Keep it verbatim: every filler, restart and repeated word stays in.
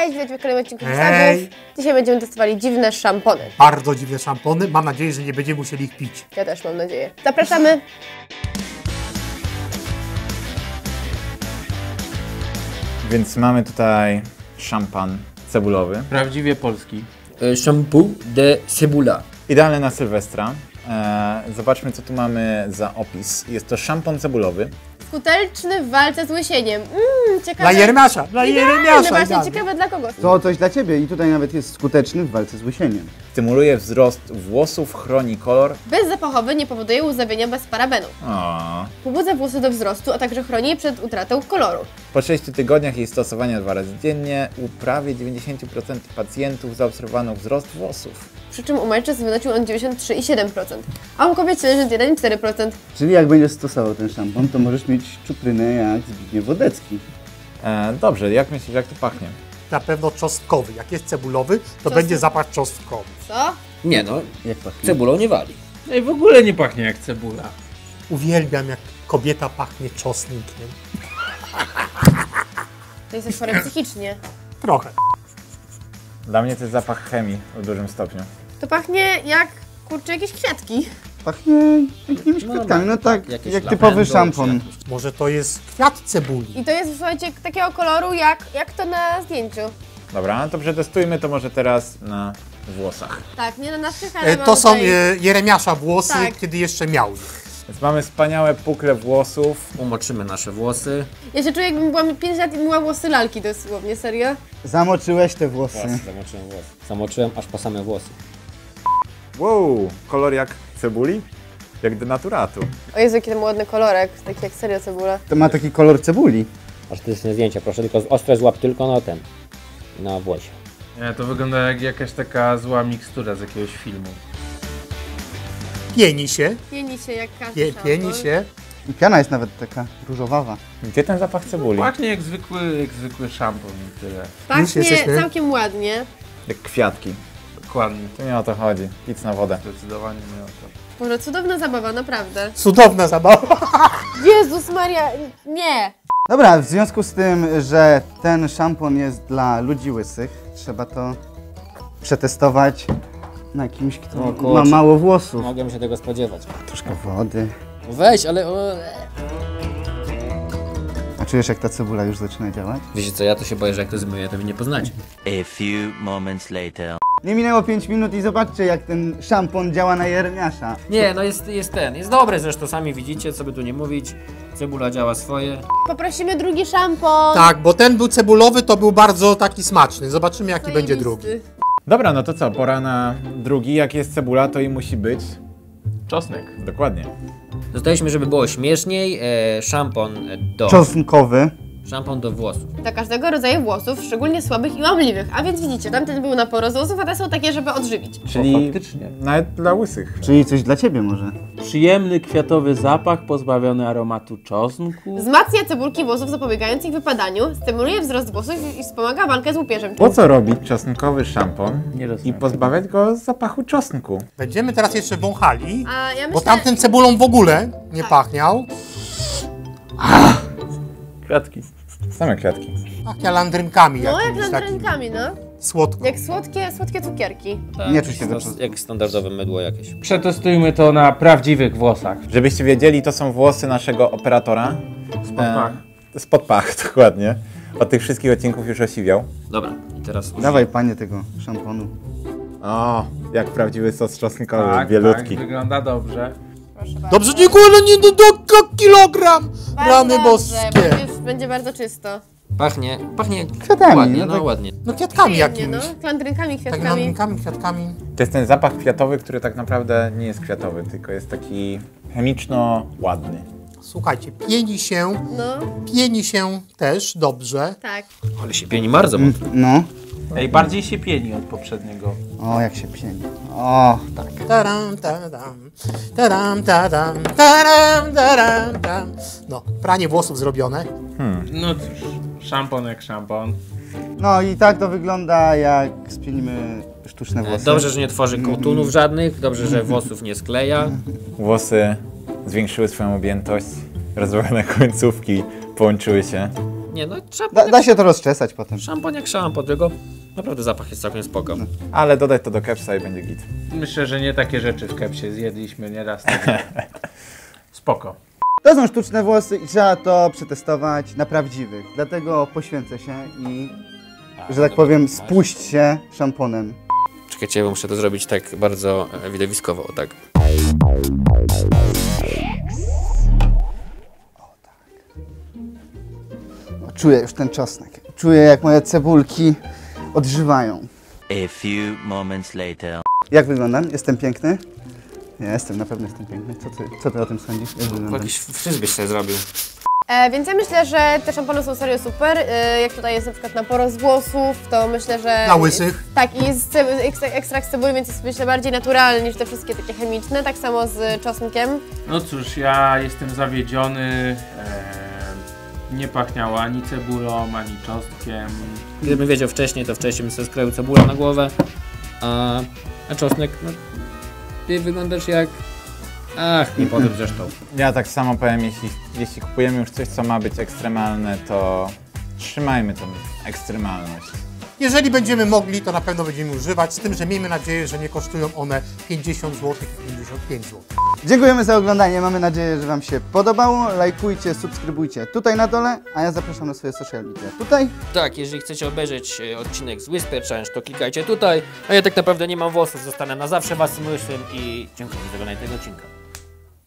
Cześć, witajcie w kolejnym odcinku Hashtagów. Dzisiaj będziemy testowali dziwne szampony. Bardzo dziwne szampony. Mam nadzieję, że nie będziemy musieli ich pić. Ja też mam nadzieję. Zapraszamy. Więc mamy tutaj szampan cebulowy. Prawdziwie polski. Shampoo de cebula. Idealny na Sylwestra. Eee, zobaczmy, co tu mamy za opis. Jest to szampon cebulowy. Skuteczny w walce z łysieniem. Mmm, ciekawe. Dla Jeremiasza, dla Jeremiasza. Właśnie, idealny. ciekawe dla kogo. To coś dla Ciebie i tutaj nawet jest skuteczny w walce z łysieniem. Stymuluje wzrost włosów, chroni kolor. Bezzapachowy, nie powoduje łzawienia bez parabenu. O. Pobudza włosy do wzrostu, a także chroni je przed utratą koloru. Po sześciu tygodniach jej stosowania dwa razy dziennie u prawie dziewięćdziesiąt procent pacjentów zaobserwowano wzrost włosów. Przy czym u mężczyzn wynosił on dziewięćdziesiąt trzy przecinek siedem procent, a u kobiet dziewięćdziesiąt jeden przecinek cztery procent. Czyli jak będziesz stosował ten szampon, to możesz mieć czuprynę jak Zbigniew Wodecki. Eee, dobrze, jak myślisz, jak to pachnie? Na pewno czosnkowy. Jak jest cebulowy, to Czosnek. będzie zapach czosnkowy. Co? Nie no, Jak pachnie? cebulą nie wali. No i w ogóle nie pachnie jak cebula. Uwielbiam, jak kobieta pachnie czosnkiem. To jesteś chory psychicznie. Trochę. Dla mnie to jest zapach chemii w dużym stopniu. To pachnie jak, kurczę, jakieś kwiatki. Pachnie jakimiś No, kwiatkami, no tak, jakieś jak lawendą, typowy czy szampon. Może to jest kwiat cebuli. I to jest, słuchajcie, takiego koloru jak, jak to na zdjęciu. Dobra, to przetestujmy to może teraz na włosach. Tak, nie na naszych, ale E, mam To są tutaj... e, Jeremiasza włosy, Tak. kiedy jeszcze miał je. Więc mamy wspaniałe pukle włosów. Umoczymy nasze włosy. Ja się czuję, jakbym była pięć lat i myła włosy lalki dosłownie, serio. Zamoczyłeś te włosy. Zamoczyłem włosy. Zamoczyłem aż po same włosy. Wow, kolor jak cebuli? Jak denaturatu. O Jezu, jaki ten ładny kolorek, taki jak serio cebula. To ma taki kolor cebuli. Artystyczne zdjęcia, proszę, tylko ostre złap tylko na ten. Na włosie. Nie, to wygląda jak jakaś taka zła mikstura z jakiegoś filmu. Pieni się, Pieni się jak każdy pie, szampon. pieni się. I piana jest nawet taka różowawa. Gdzie ten zapach cebuli? Pachnie jak zwykły, jak zwykły szampon i tyle. Już Pachnie jesteśmy. całkiem ładnie. Jak kwiatki. Dokładnie. To nie o to chodzi. Pic na wodę. Zdecydowanie nie o to. Boże, cudowna zabawa, naprawdę. Cudowna zabawa. Jezus Maria, nie! Dobra, w związku z tym, że ten szampon jest dla ludzi łysych, trzeba to przetestować na kimś, kto O ma kurczę. mało włosów. Mogłem się tego spodziewać. Troszkę wody. Weź, ale... O... A czujesz, jak ta cebula już zaczyna działać? Wiecie co, ja to się boję, że jak to zmyję, to mnie nie poznacie. A few moments later. Nie minęło pięć minut i zobaczcie, jak ten szampon działa na Jeremiasza. Nie, no jest, jest ten, jest dobry zresztą, sami widzicie, co by tu nie mówić. Cebula działa swoje. Poprosimy drugi szampon. Tak, bo ten był cebulowy, to był bardzo taki smaczny. Zobaczymy, jaki będzie drugi. Zajebisty. Dobra, no to co? Pora na drugi. Jak jest cebula, to i musi być. Czosnek. Dokładnie. Zostaliśmy, żeby było śmieszniej, e, szampon do... Czosnkowy. Szampon do włosów. Dla każdego rodzaju włosów, szczególnie słabych i łamliwych. A więc widzicie, tamten był na porost włosów, a te są takie, żeby odżywić. Czyli faktycznie. nawet dla łysych. Czyli coś dla ciebie może. Przyjemny kwiatowy zapach pozbawiony aromatu czosnku. Wzmacnia cebulki włosów, zapobiegając ich wypadaniu, stymuluje wzrost włosów i wspomaga walkę z łupieżem. Po co robić czosnkowy szampon Nie i rozumiem. pozbawiać go zapachu czosnku? Będziemy teraz jeszcze wąchali, A ja bo myślę... tamten cebulą w ogóle nie Tak. pachniał. Kwiatki. Same kwiatki. Pachnia landrynkami No, jak jakimiś takimi. landrynkami, no. Słodko. Jak słodkie, słodkie cukierki. Nie czuć tego To czosnku. jak standardowe mydło jakieś. Przetestujmy to na prawdziwych włosach. Żebyście wiedzieli, to są włosy naszego operatora. Spod pach. E, spod pach, dokładnie. Od tych wszystkich odcinków już osiwiał. Dobra, i teraz użyję. Dawaj, panie, tego szamponu. O, jak prawdziwy sos czosnkowy, Tak, bielutki. tak, wygląda dobrze. Proszę bardzo. Dobrze, dziękuję, ale nie do, do kilogram. Bardzo Rany dobrze, boskie. bo już będzie bardzo czysto. Pachnie, pachnie Kwiatami, ładnie, no no, tak. ładnie. No kwiatkami Przyjemnie, no. jakimiś. Landrynkami, Tak kwiatkami. landrynkami, kwiatkami. To jest ten zapach kwiatowy, który tak naprawdę nie jest kwiatowy, tylko jest taki chemiczno-ładny. Słuchajcie, pieni się, No, pieni się też dobrze. tak. Ale się pieni bardzo mocno. No. Ej, bardziej się pieni od poprzedniego. O, jak się pieni. O, tak. Taram, tadam, taram, tadam, taram, taram, tam. No, pranie włosów zrobione. No cóż, szampon jak szampon. No i tak to wygląda, jak spienimy sztuczne włosy. Dobrze, że nie tworzy kołtunów żadnych, dobrze, że włosów nie skleja. Włosy zwiększyły swoją objętość, rozłożone końcówki połączyły się. Nie no, szampon Da, jak, da się to rozczesać potem. szampon jak szampon, tylko naprawdę zapach jest całkiem spoko. Ale dodać to do kepsa i będzie git. Myślę, że nie takie rzeczy w kepsie zjedliśmy nieraz. Spoko. To są sztuczne włosy i trzeba to przetestować na prawdziwych. Dlatego poświęcę się i, że tak powiem, spuść się szamponem. Czekajcie, ja muszę to zrobić tak bardzo e, widowiskowo, tak. Czuję już ten czosnek. Czuję, jak moje cebulki odżywają. A few moments later. Jak wyglądam? Jestem piękny? Ja jestem, na pewno jestem piękny. Co ty, co ty o tym sądzisz? Jak wyglądam? Jakiś wstyd byś sobie zrobił. E, więc ja myślę, że te szampony są serio super. E, jak tutaj jest na przykład na porost włosów, to myślę, że... Na łysych. Tak, i jest cebu- ekstra- ekstrakt z cebuli, więc jest myślę bardziej naturalny niż te wszystkie takie chemiczne. Tak samo z czosnkiem. No cóż, ja jestem zawiedziony. E, nie pachniało ani cebulą, ani czosnkiem. Gdybym wiedział wcześniej, to wcześniej bym sobie skroił cebulę na głowę. A, a czosnek, no... Ty wyglądasz jak... Ach, nie powiem zresztą. Ja tak samo powiem, jeśli, jeśli kupujemy już coś, co ma być ekstremalne, to trzymajmy tą ekstremalność. Jeżeli będziemy mogli, to na pewno będziemy używać, z tym, że miejmy nadzieję, że nie kosztują one pięćdziesiąt złotych i pięćdziesiąt pięć złotych. Dziękujemy za oglądanie. Mamy nadzieję, że Wam się podobało. Lajkujcie, subskrybujcie tutaj na dole, a ja zapraszam na swoje social media tutaj. Tak, jeżeli chcecie obejrzeć e, odcinek z Whisper Challenge, to klikajcie tutaj. A ja tak naprawdę nie mam włosów, zostanę na zawsze waszym łysym i dziękuję za oglądanie tego odcinka.